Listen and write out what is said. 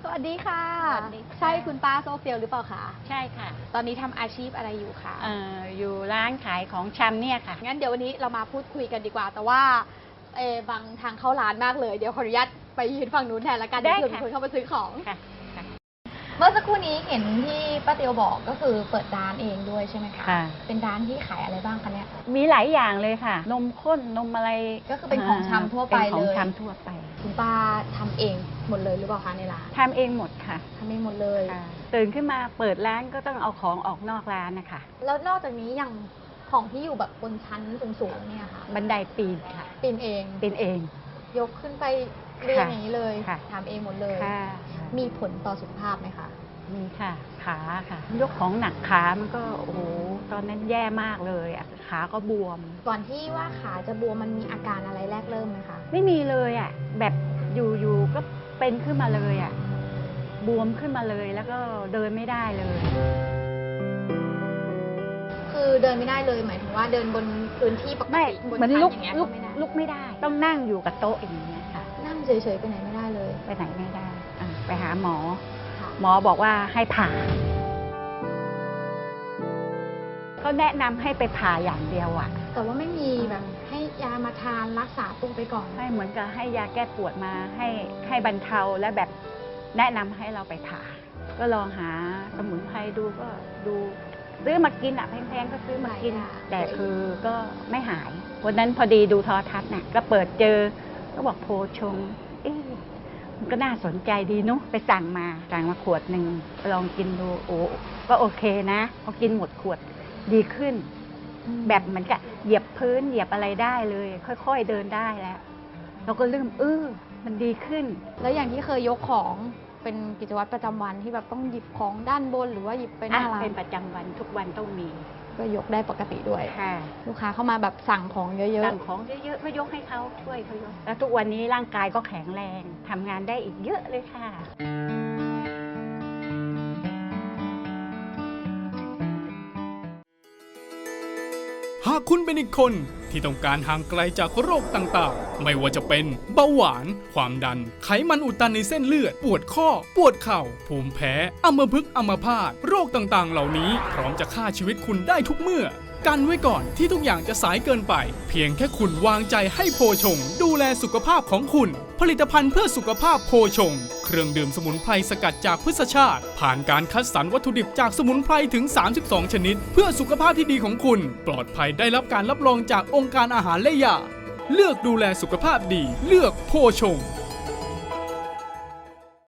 วัสดีค่ะสวัสดีค่ะใช่คุณป้าโซเฟียลหรือเปล่าคะใช่ค่ะตอนนี้ทำอาชีพอะไรอยู่คะอยู่ร้านขายของชำเนี่ยค่ะงั้นเดี๋ยววันนี้เรามาพูดคุยกันดีกว่า แต่ว่าบางทางเข้าร้านมากเลย เดี๋ยวขออนุญาตไปยืนฝั่งนู้นแทนละกันได้เดี๋ยวค่ะมีคนเข้ามาซื้อของค่ะค่ะเมื่อสักครู่นี้เห็นที่ป้าเตียวบอกก็คือเปิดร้านเองด้วยใช่ไหมคะค่ะเป็นร้านที่ขายอะไรบ้างคะเนี่ยมีหลายอย่างเลยค่ะ นมข้นนมอะไรก็คือเป็นของชำทั่วไปเป็นของเลยชำทั่วไปคุณป้าทำเองหมดเลยหรือเปล่าคะในร้านทำเองหมดค่ะทำเองหมดเลยค่ะ ตื่นขึ้นมาเปิดร้านก็ต้องเอาของออกนอกร้านนะคะแล้วนอกจากนี้อย่างของที่อยู่แบบบนชั้นสูงๆเนี่ยค่ะบันไดปีนค่ะปีนเองปีนเองยกขึ้นไปเรียงอย่างนี้เลยค่ะทำเองหมดเลยค่ะมีผลต่อสุขภาพไหมคะมีค่ะ ขาค่ะ ยกของหนักขามันก็โอ้โหตอนนั้นแย่มากเลยอะขาก็บวมก่อนที่ว่าขาจะบวมมันมีอาการอะไรแรกเริ่มไหมคะไม่มีเลยอ่ะแบบอยู่ๆก็เป็นขึ้นมาเลยอ่ะบวมขึ้นมาเลยแล้วก็เดินไม่ได้เลยคือเดินไม่ได้เลยหมายถึงว่าเดินบนพื้นที่ปกไม่ติบนเหมือนชั้นลุกอย่างเงี้ยลุก็กไม่ได้ลุกไม่ได้ ต้องนั่งอยู่กับโต๊ะอย่างเงี้ยค่ะนั่งเฉยๆไปไหนไม่ได้เลยไปไหนไม่ได้ไปหาหมอค่ะหมอบอกว่าให้ผ่าเขาแนะนำให้ไปผ่าอย่างเดียวอ่ะแต่ว่าไม่มีแบบให้ยามาทานรักษาตัวไปก่อนให้เหมือนกับให้ยาแก้ปวดมาให้บรรเทาและแบบแนะนำให้เราไปผ่า ก็ลองหาสมุนไพรดูก็ดูซื้อมากินอ่ะแพงๆก็ซื้อมากิน แต่คือก็ไม่หาย วันนั้นพอดีดูโทรทัศน์น่ะก็เปิดเจอก็บอกโพชงเอ๊ะมันก็น่าสนใจดีเนุ๊ไปสั่งมาขวดหนึ่งลองกินดูโอ้ก็โอเคนะพอกินหมดขวดดีขึ้น แบบเหมือนกับเหยียบพื้นเหยียบอะไรได้เลย ค่อยๆเดินได้แล้วเราก็เริ่มมันดีขึ้นแล้วอย่างที่เคยยกของเป็นกิจวัตรประจำวันที่แบบต้องหยิบของด้านบนหรือว่าหยิบไปหน้าร้านเป็นประจำวันทุกวันต้องมีก็ยกได้ปกติด้วยค่ะลูกค้าเข้ามาแบบสั่งของเยอะสั่งของเยอะๆก็ยกให้เขาช่วยเขายกแล้วทุกวันนี้ร่างกายก็แข็งแรงทำงานได้อีกเยอะเลยค่ะหากคุณเป็นอีกคนที่ต้องการห่างไกลจากโรคต่างๆ ไม่ว่าจะเป็นเบาหวาน ความดัน ไขมันอุดตันในเส้นเลือด ปวดข้อ ปวดเข่า ภูมิแพ้ อัมพฤกษ์อัมพาต โรคต่างๆ เหล่านี้พร้อมจะฆ่าชีวิตคุณได้ทุกเมื่อ กันไว้ก่อนที่ทุกอย่างจะสายเกินไป เพียงแค่คุณวางใจให้โพชง ดูแลสุขภาพของคุณ ผลิตภัณฑ์เพื่อสุขภาพโพชง เครื่องดื่มสมุนไพรสกัดจากพืชชาติ ผ่านการคัดสรรวัตถุดิบจากสมุนไพรถึง 32 ชนิด เพื่อสุขภาพที่ดีของคุณ ปลอดภัยได้รับการรับรองจากองค์การอาหารและยา เลือกดูแลสุขภาพดี เลือกโพชง